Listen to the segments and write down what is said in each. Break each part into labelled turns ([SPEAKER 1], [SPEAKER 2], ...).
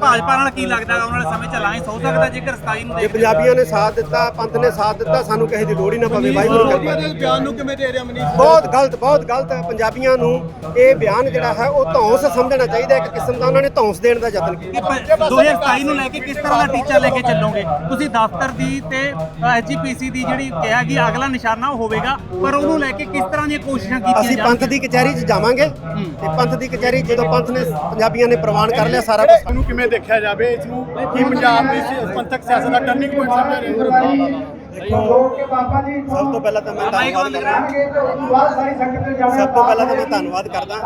[SPEAKER 1] ਭਾਜਪਾ ਨਾਲ ਕੀ ਲੱਗਦਾ ਆਉਣ ਵਾਲੇ ਸਮੇਂ 'ਚ ਅਲਾਇੰਸ ਹੋ ਸਕਦਾ ਜੇਕਰ 27 ਨੂੰ
[SPEAKER 2] ਜੇ ਪੰਜਾਬੀਆਂ ਨੇ ਸਾਥ ਦਿੱਤਾ, ਪੰਥ ਨੇ ਸਾਥ ਦਿੱਤਾ, ਸਾਨੂੰ ਕਿਸੇ ਦੀ ਲੋੜ ਹੀ ਨਾ ਪਵੇ। ਵਾਹਿਗੁਰੂ ਕਿਰਪਾ ਕਰੇ।
[SPEAKER 3] ਬਿਆਨ ਨੂੰ ਕਿਵੇਂ ਦੇ ਰਿਹਾ ਮਨੀਸ਼?
[SPEAKER 2] ਬਹੁਤ ਗਲਤ ਹੈ। ਪੰਜਾਬੀਆਂ ਨੂੰ ਇਹ ਬਿਆਨ ਜਿਹੜਾ ਹੈ ਉਹ ਧੌਂਸ ਸਮਝਣਾ ਚਾਹੀਦਾ। ਇੱਕ ਕਿਸਮ ਦਾ ਉਹਨਾਂ ਨੇ ਧੌਂਸ ਦੇਣ ਦਾ ਯਤਨ ਕੀਤਾ।
[SPEAKER 1] 2027 ਨੂੰ ਲੈ ਕੇ ਕਿਸ ਤਰ੍ਹਾਂ ਦਾ ਟੀਚਾ ਲੈ ਕੇ ਚੱਲੋਗੇ ਤੁਸੀਂ? ਦਫ਼ਤਰ ਦੀ ਤੇ ਐਚਜੀਪੀਸੀ ਦੀ ਜਿਹੜੀ ਕਿਹਾ ਕਿ ਅਗਲਾ ਨਿਸ਼ਾਨਾ ਉਹ ਹੋਵੇਗਾ, ਪਰ ਉਹਨੂੰ ਲੈ ਕੇ ਕਿਸ ਤਰ੍ਹਾਂ ਦੀਆਂ ਕੋਸ਼ਿਸ਼ਾਂ ਕੀਤੀਆਂ
[SPEAKER 2] ਅਸੀਂ ਪੰਥ ਦੀ ਕਚਹਿਰੀ 'ਚ ਜਾਵਾਂਗੇ ਤੇ ਪੰਥ ਦੀ ਕਚਹਿਰੀ ਜਦੋਂ ਪੰਥ ਨੇ ਪੰਜਾਬੀਆਂ ਨੇ ਪ੍ਰਵਾਨ ਕਰ ਲਿਆ ਸਾਰਾ ਕੁਝ।
[SPEAKER 3] ਇਹਨੂੰ ਕਿਵੇਂ ਦੇਖਿਆ ਜਾਵੇ? ਇਸ ਨੂੰ ਕੀ ਪੰਜਾਬ ਦੀ ਪੰਥਕ ਸਿਆਸਤ ਦਾ ਟਰਨਿੰਗ ਪੁਆਇੰਟ ਸਮਝਿਆ ਜਾਂਦਾ?
[SPEAKER 2] ਸਭ ਤੋਂ ਪਹਿਲਾਂ ਤਾਂ ਮੈਂ ਧੰਨਵਾਦ ਕਰਦਾ।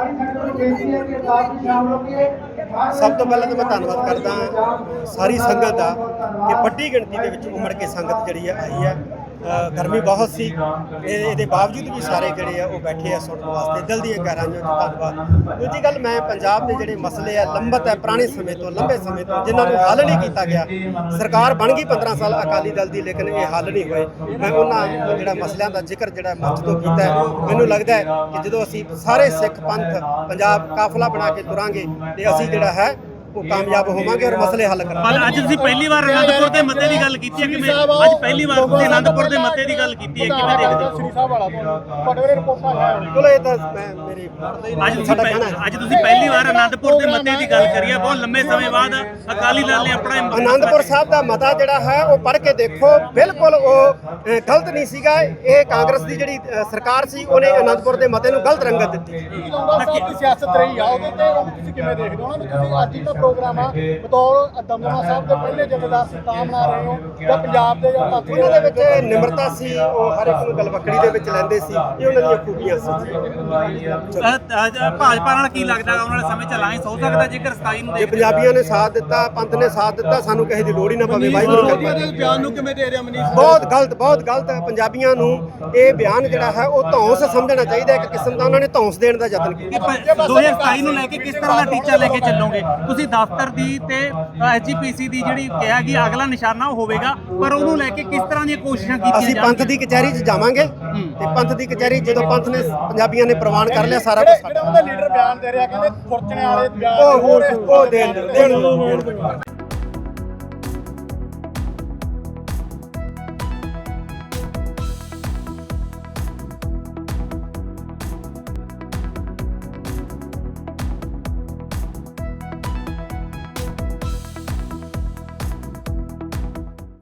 [SPEAKER 2] ਸਾਰੀ ਸੰਗਤ ਦਾ ਕਿ ਵੱਡੀ ਗਿਣਤੀ ਦੇ ਵਿੱਚ ਉਮੜ ਕੇ ਸੰਗਤ ਜਿਹੜੀ ਹੈ ਆਈ ਹੈ। ਗਰਮੀ ਬਹੁਤ ਸੀ, ਇਹਦੇ ਬਾਵਜੂਦ ਵੀ ਸਾਰੇ ਜਿਹੜੇ ਆ ਉਹ ਬੈਠੇ ਆ ਸੁਣਨ ਵਾਸਤੇ। ਦਿਲ ਦੀਆਂ ਗਹਿਰਾਈਆਂ 'ਚ ਧੰਨਵਾਦ। ਦੂਜੀ ਗੱਲ, ਮੈਂ ਪੰਜਾਬ ਦੇ ਜਿਹੜੇ ਮਸਲੇ ਆ ਲੰਬਤ ਹੈ, ਪੁਰਾਣੇ ਸਮੇਂ ਤੋਂ ਲੰਬੇ ਸਮੇਂ ਤੋਂ, ਜਿਨ੍ਹਾਂ ਨੂੰ ਹੱਲ ਨਹੀਂ ਕੀਤਾ ਗਿਆ। ਸਰਕਾਰ ਬਣ ਗਈ 15 ਸਾਲ ਅਕਾਲੀ ਦਲ ਦੀ, ਲੇਕਿਨ ਇਹ ਹੱਲ ਨਹੀਂ ਹੋਏ। ਮੈਂ ਉਹਨਾਂ ਜਿਹੜਾ ਮਸਲਿਆਂ ਦਾ ਜ਼ਿਕਰ ਜਿਹੜਾ ਮੰਚ ਤੋਂ ਕੀਤਾ ਹੈ। ਮੈਨੂੰ ਲੱਗਦਾ ਹੈ ਕਿ ਜਦੋਂ ਅਸੀਂ ਸਾਰੇ ਸਿੱਖ ਪੰਥ ਪੰਜਾਬ ਕਾਫਲਾ ਬਣਾ ਕੇ ਤੁਰਾਂਗੇ ਤੇ ਅਸੀਂ ਜਿਹੜਾ ਹੈ ਉਹ ਕਾਮਯਾਬ ਹੋਵਾਂਗੇ ਔਰ ਮਸਲੇ ਹੱਲ ਕਰਾਂਗੇ।
[SPEAKER 1] ਪਰ ਅੱਜ ਤੁਸੀਂ ਪਹਿਲੀ ਵਾਰ ਅਨੰਦਪੁਰ ਦੇ ਮੱਤੇ ਦੀ ਗੱਲ ਕੀਤੀ ਹੈ, ਕਿਵੇਂ ਅੱਜ ਪਹਿਲੀ ਵਾਰ ਤੁਸੀਂ ਅਨੰਦਪੁਰ ਦੇ ਮੱਤੇ ਦੀ ਗੱਲ ਕੀਤੀ ਹੈ, ਕਿਵੇਂ ਦੇਖਦੇ ਹੋ?
[SPEAKER 3] ਸ੍ਰੀ ਸਾਹਿਬ ਵਾਲਾ ਤੁਹਾਡੇ ਰਿਪੋਰਟਾਂ ਆਇਆ
[SPEAKER 2] ਚਲੋ ਇਹ ਤਾਂ ਮੈਂ ਮੇਰੀ
[SPEAKER 1] ਅੱਜ ਤੁਸੀਂ ਪਹਿਲੀ ਵਾਰ ਅਨੰਦਪੁਰ ਦੇ ਮੱਤੇ ਦੀ ਗੱਲ ਕਰੀ ਹੈ। ਬਹੁਤ ਲੰਬੇ ਸਮੇਂ ਬਾਅਦ ਅਕਾਲੀ ਦਲ ਨੇ ਆਪਣਾ
[SPEAKER 2] ਅਨੰਦਪੁਰ ਸਾਹਿਬ ਦਾ ਮਤਾ ਜਿਹੜਾ ਹੈ ਉਹ ਪੜ੍ਹ ਕੇ ਦੇਖੋ, ਬਿਲਕੁਲ ਉਹ ਗਲਤ ਨਹੀਂ ਸੀਗਾ। ਇਹ ਕਾਂਗਰਸ ਦੀ ਜਿਹੜੀ ਸਰਕਾਰ ਸੀ ਉਹਨੇ ਅਨੰਦਪੁਰ ਦੇ ਮਤੇ ਨੂੰ ਗਲਤ ਰੰਗਤ ਦਿੱਤੀ।
[SPEAKER 3] ਦੀ ਸਿਆਸਤ ਰਹੀ ਆ ਉਹਦੇ ਤੇ ਤੁਸੀਂ ਕਿਵੇਂ ਦੇਖਦੇ ਹੋ? ਉਹਨਾਂ ਨੂੰ ਤੁਸੀਂ ਅੱਜ ਦਾ ਪ੍ਰੋਗਰਾਮ ਆ ਬਤੌਰ ਦਮਦਮਾ ਸਾਹਿਬ ਦੇ ਪਹਿਲੇ ਜਥੇਦਾਰ ਸਤਾਮ ਬਣਾ ਰਹੇ ਹੋ ਜਾਂ ਪੰਜਾਬ ਦੇ ਜਾਂ
[SPEAKER 2] ਉਹਨਾਂ ਦੇ ਵਿੱਚ ਨਿਮਰਤਾ ਸੀ, ਉਹ ਹਰ ਇੱਕ ਨੂੰ ਗਲਵੱਕੜੀ ਦੇ ਵਿੱਚ ਲੈਂਦੇ ਸੀ। ਇਹ ਉਹਨਾਂ ਦੀਆਂ ਖੂਬੀਆਂ ਸੀ।
[SPEAKER 1] ਭਾਜਪਾ ਨਾਲ ਕੀ ਲੱਗਦਾ ਆਉਣ ਵਾਲੇ ਸਮੇਂ 'ਚ ਅਲਾਇੰਸ ਹੋ ਸਕਦਾ ਜੇਕਰ 27 ਨੂੰ
[SPEAKER 2] ਜੇ ਪੰਜਾਬੀਆਂ ਨੇ ਸਾਥ ਦਿੱਤਾ, ਪੰਥ ਨੇ ਸਾਥ ਦਿੱਤਾ, ਸਾਨੂੰ ਕਿਸੇ ਦੀ ਲੋੜ ਹੀ ਨਾ ਪਵੇ। ਵਾਹਿਗੁਰੂ ਕਿਰਪਾ ਕਰੇ।
[SPEAKER 3] ਬਿਆਨ ਨੂੰ ਕਿਵੇਂ ਦੇ ਰਿਹਾ ਮਨੀਸ਼?
[SPEAKER 2] ਬਹੁਤ ਗਲਤ ਹੈ। ਪੰਜਾਬੀਆਂ ਨੂੰ ਇਹ ਬਿਆਨ ਜਿਹੜਾ ਹੈ ਉਹ ਧੌਂਸ ਸਮਝਣਾ ਚਾਹੀਦਾ। ਇੱਕ ਕਿਸਮ ਦਾ ਉਹਨਾਂ ਨੇ ਧੌਂਸ ਦੇਣ ਦਾ ਯਤਨ ਕੀਤਾ।
[SPEAKER 1] 2027 ਨੂੰ ਲੈ ਕੇ ਕਿਸ ਤਰ੍ਹਾਂ ਦਾ ਟੀਚਾ ਲੈ ਕੇ ਚੱਲੋਗੇ ਤੁਸੀਂ? ਦਫ਼ਤਰ ਦੀ ਤੇ ਐਚਜੀਪੀਸੀ ਦੀ ਜਿਹੜੀ ਕਿਹਾ ਕਿ ਅਗਲਾ ਨਿਸ਼ਾਨਾ ਉਹ ਹੋਵੇਗਾ, ਪਰ ਉਹਨੂੰ ਲੈ ਕੇ ਕਿਸ ਤਰ੍ਹਾਂ ਦੀਆਂ ਕੋਸ਼ਿਸ਼ਾਂ ਕੀਤੀਆਂ
[SPEAKER 2] ਅਸੀਂ ਪੰਥ ਦੀ ਕਚਹਿਰੀ 'ਚ ਜਾਵਾਂਗੇ ਤੇ ਪੰਥ ਦੀ ਕਚਹਿਰੀ ਜਦੋਂ ਪੰਥ ਨੇ ਪੰਜਾਬੀਆਂ ਨੇ ਪ੍ਰਵਾਨ ਕਰ ਲਿਆ ਸਾਰਾ ਕੁਝ।
[SPEAKER 3] ਜਿਹੜਾ ਉਹਦਾ ਲੀਡਰ ਬਿਆਨ ਦੇ ਰਿਹਾ, ਕਹਿੰਦੇ ਫੁਰਚਣੇ ਵਾਲੇ ਬਿਆਨ
[SPEAKER 2] ਉਹ ਦੇਣ